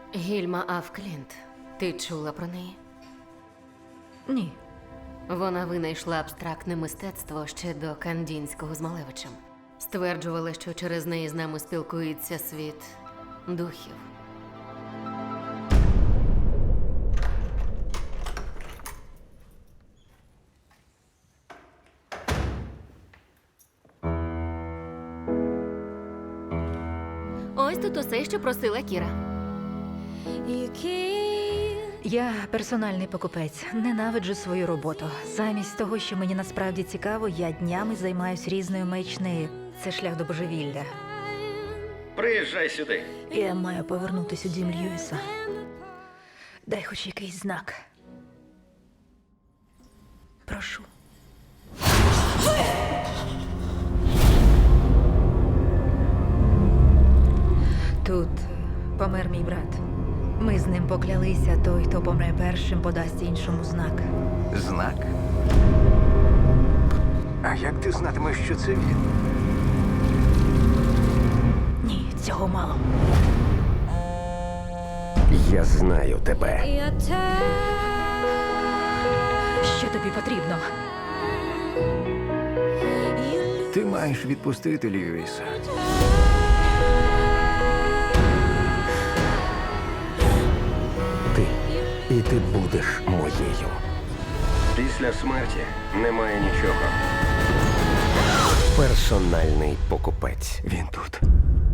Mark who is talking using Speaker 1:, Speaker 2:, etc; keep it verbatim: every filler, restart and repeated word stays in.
Speaker 1: Гільма Афклінт. Ти чула про неї?
Speaker 2: Ні.
Speaker 1: Вона винайшла абстрактне мистецтво ще до Кандінського з Малевичем. Стверджувала, що через неї з нами спілкується світ духів. Ось тут усе, що просила Кіра.
Speaker 2: Я персональний покупець. Ненавиджу свою роботу. Замість того, що мені насправді цікаво, я днями займаюсь різною маячнею. Це шлях до божевілля.
Speaker 3: Приїжджай сюди.
Speaker 2: Я маю повернутися у дім Льюіса. Дай хоч якийсь знак. Прошу. Тут помер мій брат. Ми з ним поклялися, той, хто помре першим, подасть іншому знак.
Speaker 4: Знак? А як ти знатимеш, що це він?
Speaker 2: Ні, цього мало.
Speaker 4: Я знаю тебе.
Speaker 2: Що тобі потрібно?
Speaker 4: Ти маєш відпустити Льюіса. Ти. І ти будеш моєю.
Speaker 3: Після смерті немає нічого.
Speaker 4: Персональний покупець. Він тут.